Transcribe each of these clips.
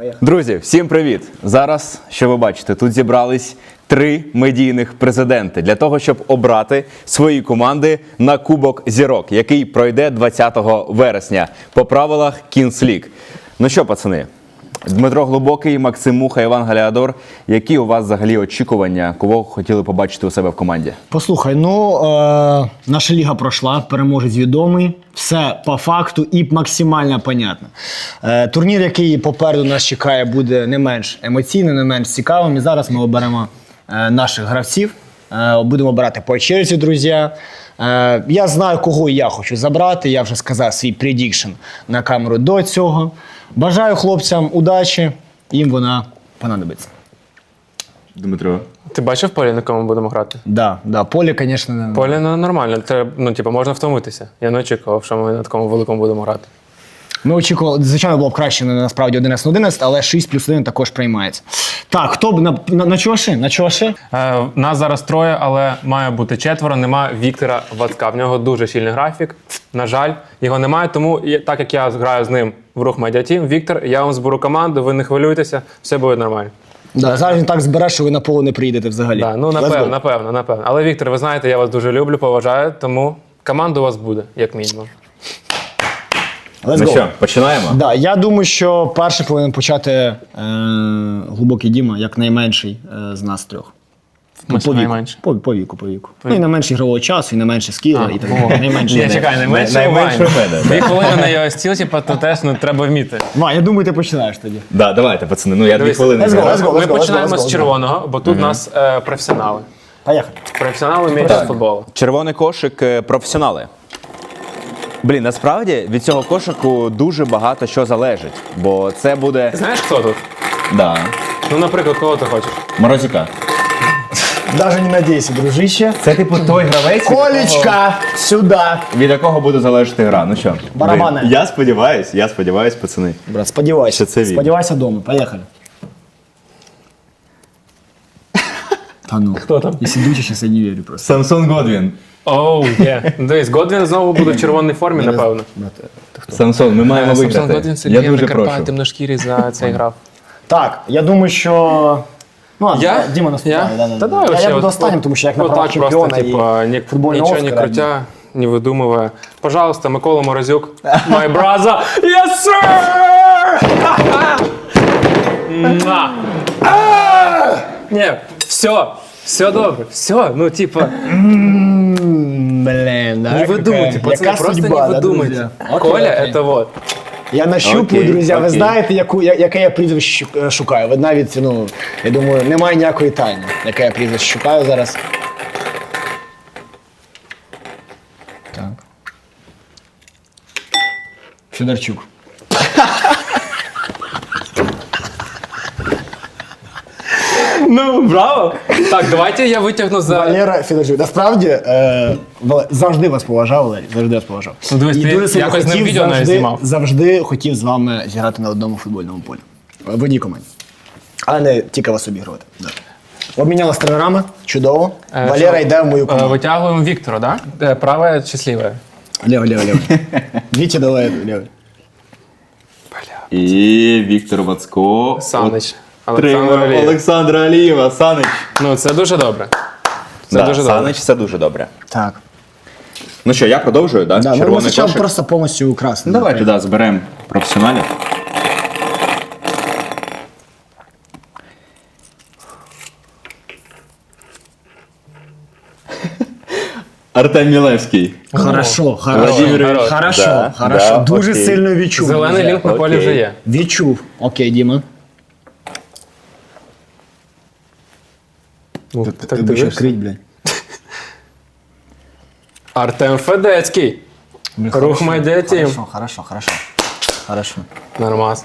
Друзі, всім привіт! Зараз, що ви бачите, тут зібрались 3 медійних президенти для того, щоб обрати свої команди на Кубок Зірок, який пройде 20 вересня по правилах Kings League. Ну що, пацани, Дмитро Глибокий, Максим Муха, Іван Галіадор. Які у вас взагалі очікування, кого хотіли побачити у себе в команді? Послухай, наша ліга пройшла, переможець відомий, все по факту і максимально понятно. Турнір, який попереду нас чекає, буде не менш емоційним, не менш цікавим. І зараз ми оберемо наших гравців, будемо обирати по черзі, друзі. Я знаю, кого я хочу забрати, я вже сказав свій предікшн на камеру до цього. Бажаю хлопцям удачі, їм вона понадобиться. Дмитро. Ти бачив поле, на кому будемо грати? Да, поле, звісно, Поле нормально, можна втомитися. Я не очікував, що ми на такому великому будемо грати. Ми очікували, звичайно, було б краще насправді 11-11, але 6+1 також приймається. Так, хто б на чуваші? На чуваші? Нас зараз 3, але має бути 4. Нема Віктора Вацка. В нього дуже щільний графік. На жаль, його немає, тому так як я граю з ним в Рух Медіа Тім, Віктор, я вам зберу команду, ви не хвилюйтеся, все буде нормально. Да, зараз він так збере, що ви на поле не приїдете взагалі. Да, напевно. Але, Віктор, ви знаєте, я вас дуже люблю, поважаю, тому команда у вас буде, як мінімум. Ну що, починаємо? Да, я думаю, що перший повинен почати Глибокий Діма, як найменший з нас 3. Найменше. По віку. Ну і найменший ігрового часу, і найменше скіла, і так далі. Найменше. Чекай, найменше у мене. 2 хвилини на його стіл, то теж треба вміти. Ва, я думаю, ти починаєш тоді. Да, давайте, пацани, ну я 2 хвилини. Ми починаємо з червоного, бо тут у нас професіонали. Поїхали. Професіонали вміють з футболу. Червоний кошик професіонали. Блін, насправді від цього кошику дуже багато що залежить, бо це буде... Знаєш, хто тут? Да. Ну, наприклад, кого ти хочеш? Морозюка. Даже не надійся, дружище. Це типу той гравець, Колечка, сюди. від якого буде залежати гра. Ну що? Барабани. Блін, я сподіваюсь, пацани. Брат, сподівайся. Що це він. Сподівайся вдома. Поїхали. Та ну. Хто там? Якщо дучиш, я не вірю просто. Самсон Годвін. Оу, є. Дивись, Годвін знову буде в червоній формі, напевно. Самсон, ми маємо Самсон виграти. Годвін Я Сергій дуже на Карпаті прошу. темношкірий за цей грав. Так, я думаю, що... Ну, Я? Діма наступає. Та давай Я вообще буду от- останнім, тому що як на право Отак просто, чемпіона і типа, футбольного нічого не Оскара. крутя, не видумывая. Пожалуйста, Микола Морозюк, my brother. Yes, sir! Муа. Ні, все добре, все, ну типа, Блин, да? не видумайте, пацани, просто не видумайте. Коля, это вот. Я нащупую, Окей, друзі, ви окей. знаєте, яке я прізвище шукаю. Ви навіть, ну, я думаю, немає ніякої тайни, яке я прізвище шукаю зараз. Так. Федорчук. Ну, браво. Так, давайте я витягну за... Валера Федорчук. Насправді, завжди вас поважав, Валерій, завжди вас поважав. Ну, дивись, І ти дуже сильно якось з ним хотів, відео навіть знімав. завжди хотів з вами зіграти на одному футбольному полі. В одній команді. А не тільки вас обігрувати. Да. Обмінялися тренерами, чудово. Валера йде в мою команду. Витягуємо Віктора, да? Праве чи сліве? Лево. Вітя, давай, лево. І Віктор Вацко. Санич. Олександра Алієва. Санич. Ну, це дуже добре. Це Да, дуже добре. Санич, це дуже добре. Так. Ну що, я продовжую, так? Да, ми Червоний спочатку кошик. просто повністю украсти. Давайте, да, зберемо професіоналів. Артем Мілевський. Хорошо. Владимирович, да, да, Дуже окей. сильно відчув. Зелений друзі. лінк на полі Окей. вже є. Відчув. Окей, Діма. Ну, Ти так будеш дивишся. крить, блядь. Артем Федецький. Рух Медіа Тім. Хорошо. Нормас.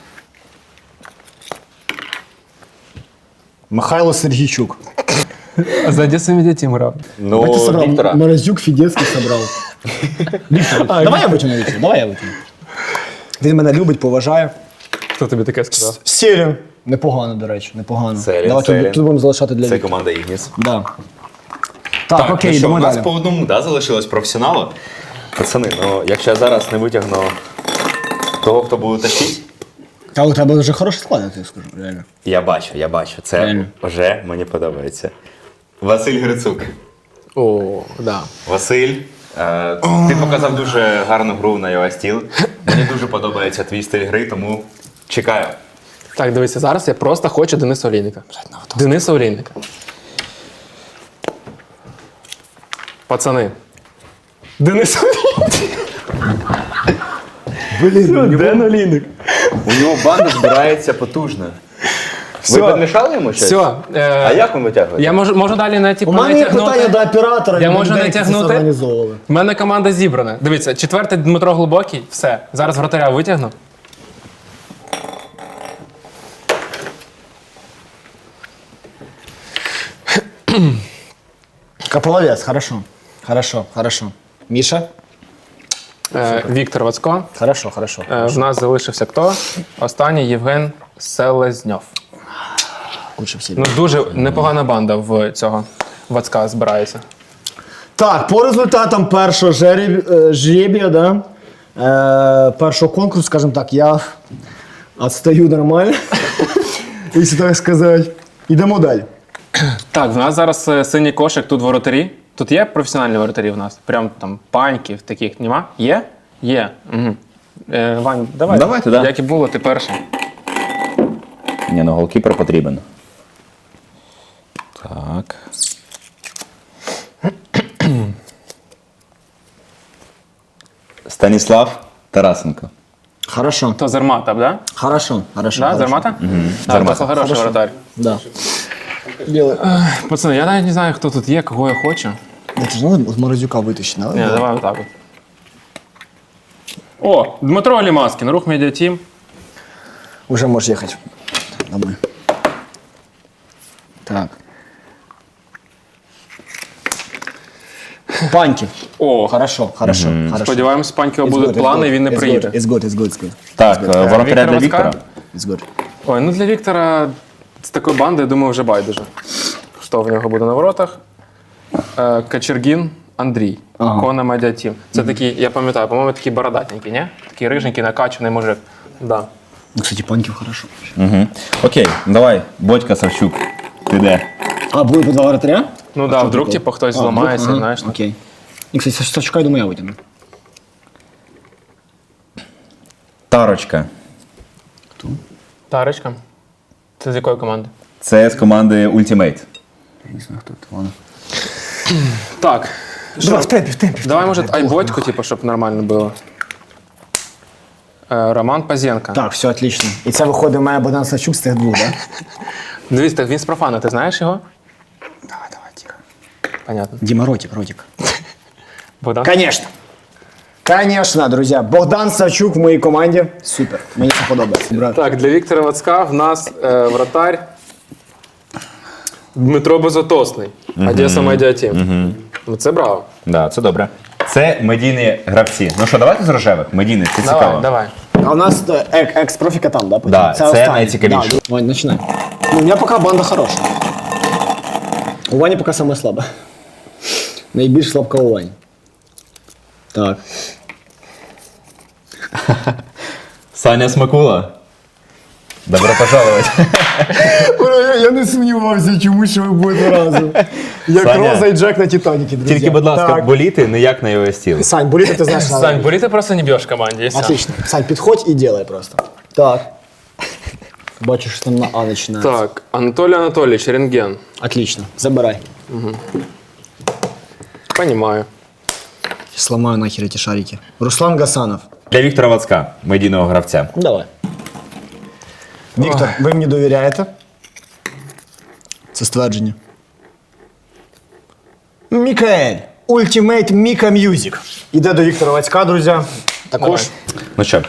Михайло Сергійчук. А за Одесу Медіа Тім грав. Ну, Ти собрав. Віктора. Морозюк Фідецький собрав. Віктор, давай я витягну Віктора, давай я витягну. Він мене любить, поважає. Хто тобі таке сказав? Сірін. Непогано, до речі, непогано. Сірін, Давай Сірін. тут будемо залишати для Це Віктора. команда Ігніс. Да. Так, окей, ну що, йдемо у нас далі. по одному, да, залишилось професіоналу. Пацани, ну якщо я зараз не витягну того, хто буде тащити, Та у тебе вже хороший склад, я тобі скажу, реально. Я бачу. Це Реально. вже мені подобається. Василь Грицук. О, да. Василь, ти показав дуже гарну гру на iOS Steel. Мені дуже подобається твій стиль гри, тому чекаю. Так, дивися, зараз я просто хочу Дениса Олійника. Дениса Олійника. Пацани. Денис Олійник. Блін, Ден Олійник. у нього банда збирається потужно. Все. Ви підмішали йому щось? Все. А як він витягує? Я можу далі на У мене є питання до оператора, Я і можу людей, які це натягнути? організовували. У мене команда зібрана. Дивіться, 4-й Дмитро Глибокий. Все. Зараз вратаря витягну. Каполовець, хорошо. Хорошо. Міша? Віктор Вацко. Хорошо. В нас залишився хто? Останній Євген Селезньов. Лучше всі. Ну, дуже непогана банда в цього Вацка збирається. Так, по результатам першого жребія, да, першого конкурсу, скажімо так, я відстаю нормально, якщо так сказати. Йдемо далі. Так, в нас зараз синій кошик, тут воротарі. Тут є професіональні воротарі в нас? Прям там паньків таких нема? Є? Є. Угу. Вань, давай. Давайте, да. Як і було, ти перший. Ні, ну голкіпер потрібен. Так. Станіслав Тарасенко. Хорошо. То Зермата, да? Хорошо. Да, Зермата? Так, Зермата. то хороший воротар. Да. Делай. Пацани, я навіть не знаю, хто тут є, кого я хочу. Это же надо з Морозюка витащити, Ні, да? давай отак от. О, Дмитро Алімаскін, рух медіатім. Уже можеш їхати. Домой. Так. Паньки. О, Хорошо. сподіваємось, паньків будуть плани, і він не приїде. It's good. Так, воротаря для Віктора Віктора. It's good. Ой, ну для Віктора з такої банди, я думаю, вже байдуже. Хто в нього буде на воротах? Качергін Андрій. Ага. Кона Медіатім. Це такий, я пам'ятаю, по-моєму, такий бородатенький, ні? Такий риженький, накачаний мужик. Да. Ну, кстати, паньків хорошо. Угу. Окей, давай, Бодька Савчук. Ти де? А, буде по два вратаря? Ну так, да, вдруг типу, хтось зламається, ага, знаєш. Окей. І, кстати, Савчука, я думаю, я витягну. Тарочка. Тарочка. Це з якої команди? Це з команди Ultimate. Я не знаю, хто це, ладно. Так. Давай, в темпі. Давай, може, айботьку, типу, щоб нормально було. Роман Пазєнко. Так, все, отлично. І це виходить у мене Богдан Савчук з тих двох, так? Дивись, так він з профана, ти знаєш його? Давай, тихо. Понятно. Діма Ротик. Богдан? Конечно, друзі. Богдан Савчук в моїй команді. Супер. Мені це подобається, брат. Так, для Віктора Вацка в нас вратарь Дмитро Безотосний. Одеса Медіатім. Ну це браво. Да, це добре. Це медійні гравці. Ну що, давайте з рожевих. Медійних, це цікаво. Давай. А у нас екс-профіка там, да? потім? Да, це останній. найцікавіше. Да, Вань, починай. Ну, у мене поки банда хороша. У Вані поки саме слаба. Найбільш слабка у Вані. Так. Саня Смакула. Добро пожаловать. Я не сумнівався, чому що ви будете разом. Як Саня, Роза і Джек на Титаніки, друзі. Тільки, будь ласка, Так. боліти не як на iOS Steel. Сань, боліти ти знаєш. Сань, бери ти просто не б'єш в команді. І все. Отлично. Сань, підходь і делай просто. Так. Бачиш, що там на А починається. Так, Анатолій Анатолійович, рентген. Отлично. Забирай. Понімаю. Сломаю нахер эти шарики. Руслан Гасанов. Для Віктора Вацка, медійного гравця. Давай. Віктор, ви мені довіряєте? Це ствердження. Мікаель. Ultimate Mika Music. Іде до Віктора Вацька, друзі. Також. Давай. Ну що.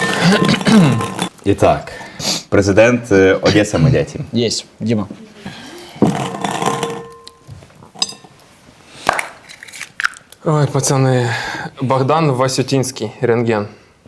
І так, президент Одеса Медіатім. Єсть. Діма. Ой, пацани. Богдан Васютінський, рентген.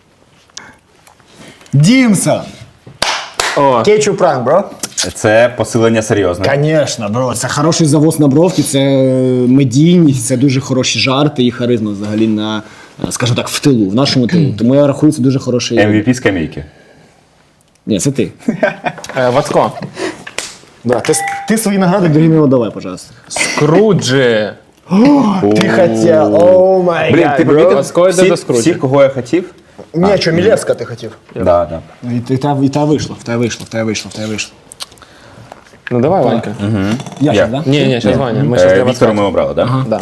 Дімса. О, Кетчуп пранк, бро. Це посилення серйозне. Конечно, бро. Це хороший завоз на бровки, це медійність, це дуже хороші жарти і харизма взагалі на, скажімо так, в тилу, в нашому тилу. Тому я рахую, це дуже хороший. MVP скамейки. Ні, це ти. Вацко. Да, ти свої награди другим не давай, пожалуйста. Скруджі. Ти хотів, о май Блін, ти помітив Вацко йде до Скруджа. всіх, кого я хотів? Ні, що, Мілевська ти хотів. Да, да. І та вийшло, в тебе вийшло. Ну давай, Ванька. Я Я. ж, да? Ні, зараз Ваня. Ми зараз для Віктора Вацка. ми обрали, так? Да.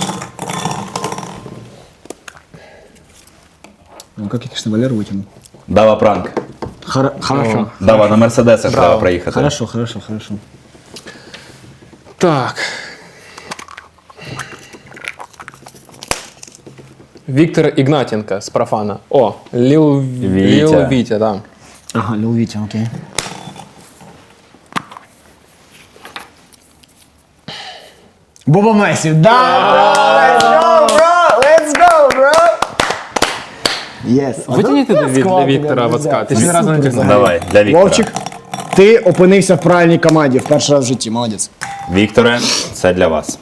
Ну, как я, конечно, Валеру вытянул. Дава пранк. Хорошо. Дава на Мерседесах треба проїхати. Хорошо. Так. Віктор Ігнатенко з профана. О, Ліл Вітя, да. Ага, Лил Витя, окей. Боба Месі, да! Let's go, bro! Yes. Витягніть для Віктора Вацка. Ти ще ні разу не тягнув. Давай, для Віктора. Вовчик, ти опинився в правильній команді в перший раз в житті, молодець. Вікторе, це для вас.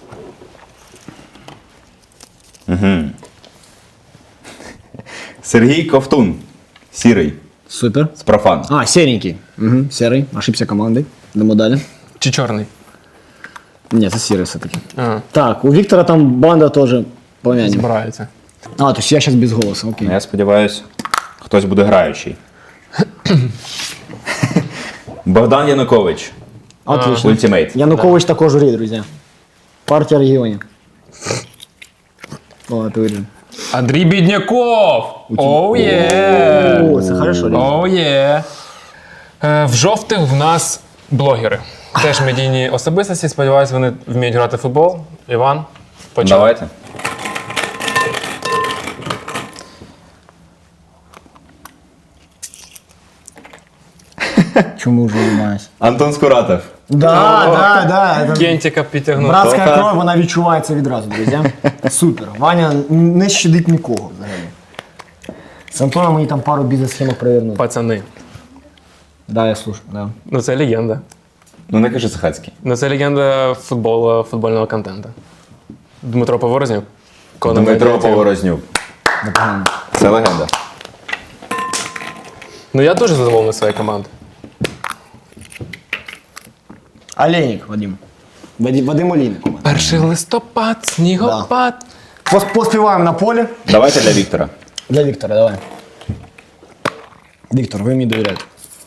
Сергій Ковтун. Сірий. Супер. З профан. А, серенький. Угу, серий, ошибся командой. Йдемо далі. Чи чорний? Ні, це сірий все-таки. Ага, Так, у Віктора там банда теж помянем. збирається. А, то есть я зараз без голосу, окей. Я сподіваюся, хтось буде граючий. Богдан Янукович. Отлично. Ультимейт. Янукович також журі, друзі. Партія регіонів. О, це виріжемо. Андрій Бідняков! Оу є! О, це хорошо. Оу є! В жовтих в нас блогери. Теж медійні особистості. Сподіваюсь, вони вміють грати в футбол. Іван, почав. Давайте. Чому вже займаюся? Антон Скуратов. Да. Кентіка підтягнув. Братська Тоха. кров, вона відчувається відразу, друзі. Супер. Ваня не щадить нікого взагалі. З Антоном мені там пару бізнес-схемок провернути. Пацани. Да, я слушаю, да. Ну це легенда. Ну не кажи Сахацький. Ну це легенда футбольного контенту. Дмитро Поворознюк. Конор Дмитро Медведєв. Поворознюк. Непогано. Це легенда. Ну я дуже задоволений своєю командою. Олейник, Вадим. Вадим Олейник у мене. 1 листопад, снігопад. Поспіваємо на полі. Давайте для Віктора. Для Віктора, давай. Віктор, ви мені довіряєте.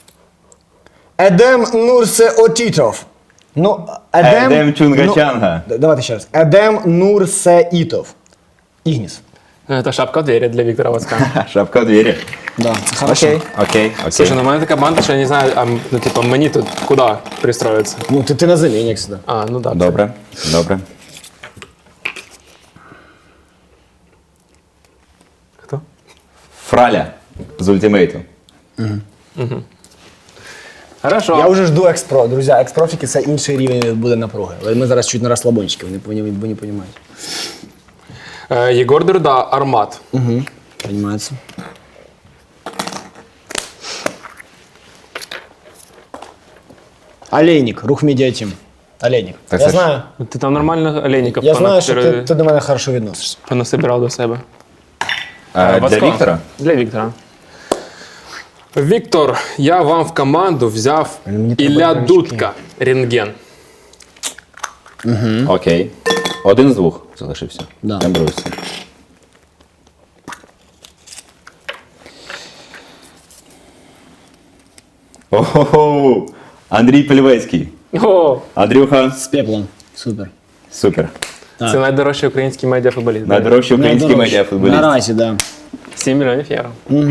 Едем Нурсе Отітов. Ну, Едем Чунгачанга. Давайте ще раз. Едем Нурсе Ітов. Ігніс. Це шапка в двері для Віктора Вацка. Шапка в двері. Да, це хорошо. Окей. Слушай, ну у мене така банда, що я не знаю, ну типа мені тут куди пристроїтися. Ну, ти на заміні, як завжди. А, ну так. Добре. Хто? Фраля з ультимейту. Хорошо. Я вже жду експро. Друзі, експрофіки це інший рівень буде напруги. Але ми зараз чуть на розслабончики, ви не розумієте. Єгор Дурда, Армат. Понимається. Олейник, рух медіатім. Олейник. Так Я це ж- знаю. Ти там нормально олейників Я знаю, що ти до мене хорошо відносишся. понасибирав до себе. Для Вацко. Віктора? Для Віктора. Віктор, я вам в команду взяв Мені треба Ілля іграшки. Дудка, рентген. Окей. Один з двох залишився. Да. Не бруйся. Ого! Андрій Пельвецький. О, Андрюха, З пеплом. Супер. супер. це найдорожчий український медіафутболіст. Найдорожчий український Найдорожче. медіафутболіст. Наразі, так. 7 мільйонів євро.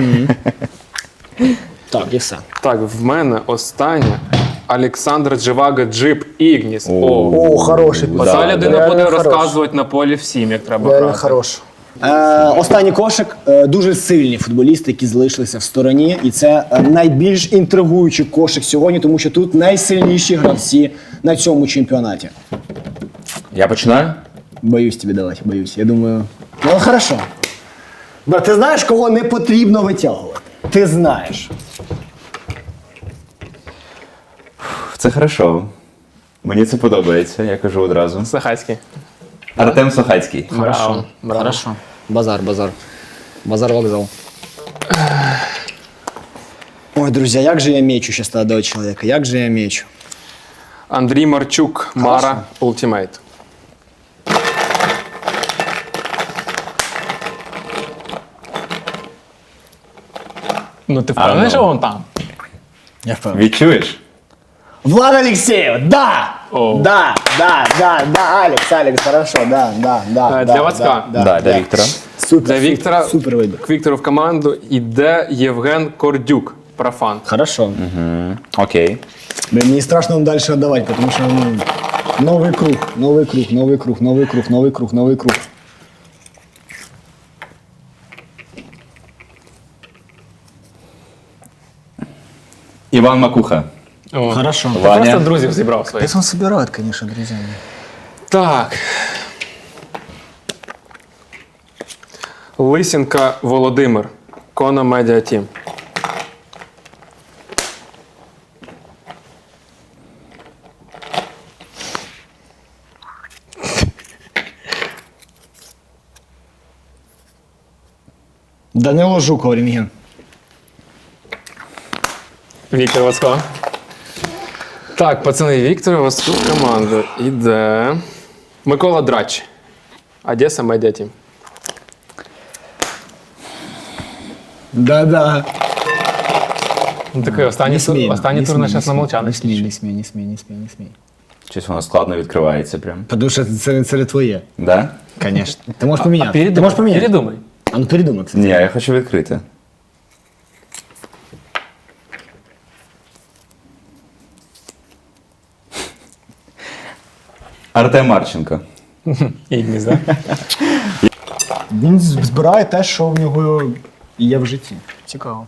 Так, і все. Так, в мене останнє. Олександр Дживага Джип Ігніс. О, хороший. Оця Да, людина да. буде Реально розказувати на полі всім, як треба Реально грати. хорош. Останній кошик. Дуже сильні футболісти, які залишилися в стороні. І це найбільш інтригуючий кошик сьогодні, тому що тут найсильніші гравці на цьому чемпіонаті. Я починаю? Боюсь тобі давати, боюсь. Я думаю, ну хорошо. Брат, ти знаєш, кого не потрібно витягувати? Ти знаєш. Це хорошо. Мені це подобається, я кажу одразу. Сахацький. Артем Сохацький. Браво. Браво. Хорошо. Базар, базар. Базар вокзал. Ой, Ой, друзья, як же я мечу сейчас молодого человека, як же я мечу. Андрій Марчук, Мара, Ультимейт. Ну ти впевнений, ну. що вон там? Я впевнений. Відчуєш? Влад Алексеев, да! О. Да, Алекс, хорошо, да. Для Вацка. Да, для Віктора. Супер, Для Віктора, супер вибір. к Віктору в команду йде Євген Кордюк, профан. Хорошо. Окей. Блин, мне страшно вам дальше отдавать, потому что новый круг. Іван Макуха. О. Хорошо. Ти Ваня. просто друзів зібрав своїх. Если он собирает, конечно, друзья. Так. Лисенка Володимир, Кона Медіа Тім. Данило Жуков, рентген. Віктор Вацко. Так, пацани, Віктор Вацко в команду іде. Микола Драч, Одеса Медіа Тім. Да. Ну, такий останній тур на час на молчаночці. Не смей. Щось воно складно відкривається прям. Потому что это твоє. Да? Конечно. Ты можешь поменять. Передумай. Ты можешь поменять. Передумай. А ну передумай, кстати. Ні, я хочу відкрити. Артем Марченко. Ігніс, так? Він збирає те, що в нього є в житті. Цікаво.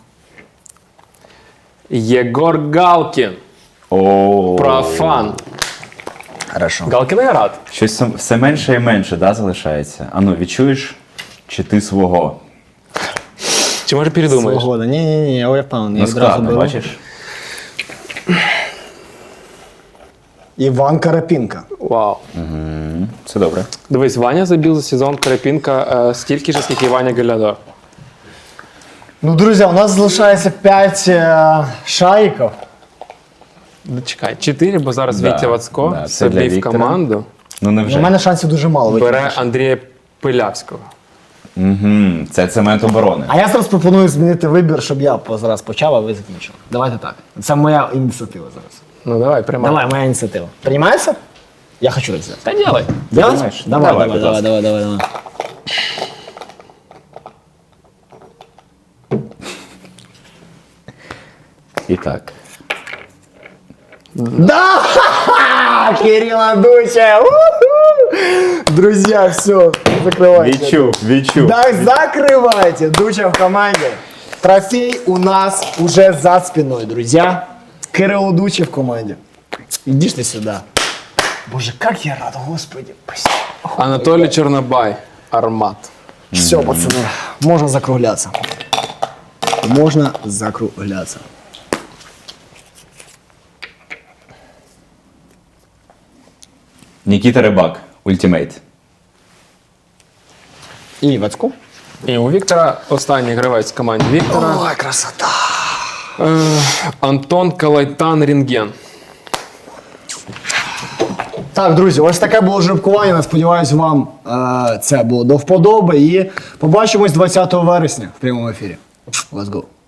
Єгор Галкін, О, профан. Хорошо. Галкін я рад. щось все менше і менше, да, залишається. Ану, відчуєш, чи ти свого? Чи може передумаєш? Свобода. Ні, я впевнений. Ну, Я відразу складно, беру. бачиш? Іван Карапінка. Вау. Це добре. Дивись, Ваня забив за сезон Карапінка стільки ж, скільки і Ваня Галядор. Ну, друзі, у нас залишається 5 шариків. Чекай, 4, бо зараз Да, Вітя Вацко да, це для собі в Віктора. команду Ну, У невже? мене шансів дуже мало вийти. бере Андрія Пилявського. Угу. Це цемент оборони. А я зараз пропоную змінити вибір, щоб я зараз почав, а ви закінчили. Давайте так. Це моя ініціатива зараз. Ну давай, приймай. Давай, моя ініціатива. Приймається? Я хочу так взяти. Та ділай. Делать? Приймаєш? Давай. будь ласка. І так. Да! Ха-ха! Кирилл Дуча! Друзья, все, закрывайте. Відчув. Да, закрывайте. Дуча в команде. Трофей у нас уже за спиной, друзья. Кирилл Дуча в команде. Иди ты сюда. Боже, как я рад, господи. Спасибо. Анатолій Чорнобай, Армат. Все, пацаны, можно закругляться. Можно закругляться. Нікіта Рибак, Ультимейт. И Вацку. І у Віктора останній гравець в команді Віктора. Ой, красота. Антон Калайтан Рентген. Так, друзі, ось таке було жеребкування. Сподіваюсь, вам це було до вподоби. І побачимось 20 вересня в прямому ефірі. Let's go.